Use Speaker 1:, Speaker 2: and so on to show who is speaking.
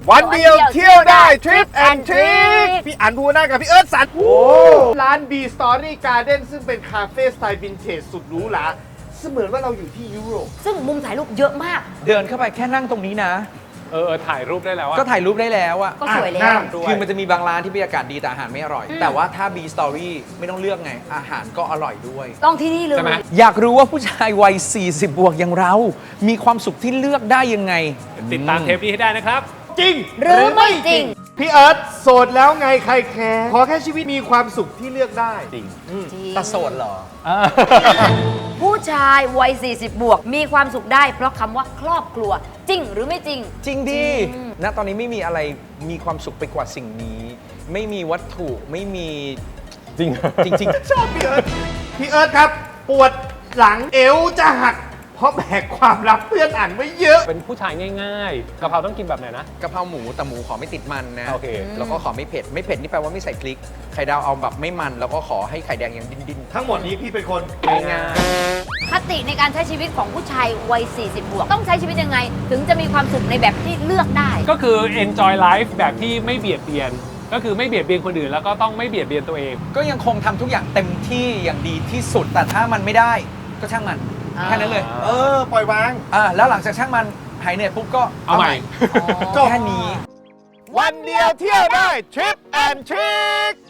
Speaker 1: วันเดียวเที่ยวได้ทริปแอนทริคพี่อันภูวนากับพี่เอิร์ธสันร้าน B Story Garden ซึ่งเป็นคาเฟ่สไตล์วินเทจสุดหรูหราเสมือนว่าเราอยู่ที่ยุโรป
Speaker 2: ซึ่งมุมถ่ายรูปเยอะมาก
Speaker 3: เดินเข้าไปแค่นั่งตรงนี้นะ
Speaker 4: ถ่ายรูปได้แล้วอะ
Speaker 3: ก็ถ่ายรูปได้แล้วอะ
Speaker 2: ก็สวยแล้ว
Speaker 3: คือมันจะมีบางร้านที่บรรยากาศดีแต่อาหารไม่อร่อย แต่ว่าถ้า B Story ไม่ต้องเลือกไง อาหารก็อร่อยด้วย
Speaker 2: ต้องที่นี่เลย
Speaker 4: ใช่ไหม
Speaker 3: อยากรู้ว่าผู้ชายวัย 40 บวกอย่างเรา มีความสุขที่เลือกได้ยังไง
Speaker 4: ติดตามเทปนี้ให้ได้นะครับ
Speaker 1: จริง
Speaker 2: หรือไม่จริง
Speaker 1: พี่เอิร์ธโสดแล้วไงใครแคร์ขอแค่ชีวิตมีความสุขที่เลือกได้
Speaker 4: จริง
Speaker 3: ตะโสดเหรอ
Speaker 2: ผู้ชายวัย 40 บวก มีความสุขได้เพราะคำว่าครอบครัว จริงหรือไม่จริง
Speaker 3: จริงดิณตอนนี้ไม่มีอะไรมีความสุขไปกว่าสิ่งนี้ ไม่มีวัตถุไม่มี
Speaker 4: จริง
Speaker 3: จริง
Speaker 1: ชอบพี่เอิร์ธพี่เอิร์ธครับ ปวดหลังเอวจะหัก เพราะแบกความลับเพื่อนอ่านไว้เยอะ
Speaker 4: เป็นผู้ชายง่ายๆกะเพราต้องกินแบบไหนนะ
Speaker 3: กะเพราหมูแต่หมูขอไม่ติดมันนะ
Speaker 4: โอเค
Speaker 3: แล้วก็ขอไม่เผ็ด ไม่เผ็ดนี่แปลว่าไม่ใส่พริก ไข่ดาวเอาแบบไม่มัน แล้วก็ขอให้ไข่แดงยังดิ้น
Speaker 1: ทั้งหมดนี้พี่เป็นคน
Speaker 3: ๆง่าย
Speaker 2: คติในการใช้ชีวิตของผู้ชายวัย 40 บวก ต้องใช้ชีวิตยังไง ถึงจะมีความสุขในแบบที่เลือกได้
Speaker 4: ก็คือ enjoy life แบบที่ไม่เบียดเบียน ก็คือไม่เบียดเบียนคนอื่นแล้วก็ต้องไม่เบียดเบียนตัวเอง
Speaker 3: ก็ยังคงทำทุกอย่างเต็มที่อย่างดีที่สุด แต่ถ้ามันไม่ได้ก็ช่างมัน
Speaker 2: อ่า
Speaker 3: แค่นั้นเลย
Speaker 1: ปล่อยวาง
Speaker 3: แล้วหลังจากช่างมันหายเหนื่อยปุ๊บก็
Speaker 4: เอาใหม่
Speaker 3: แค่นี้
Speaker 1: วันเดียวเที่ยวได้ทริปแอนทริค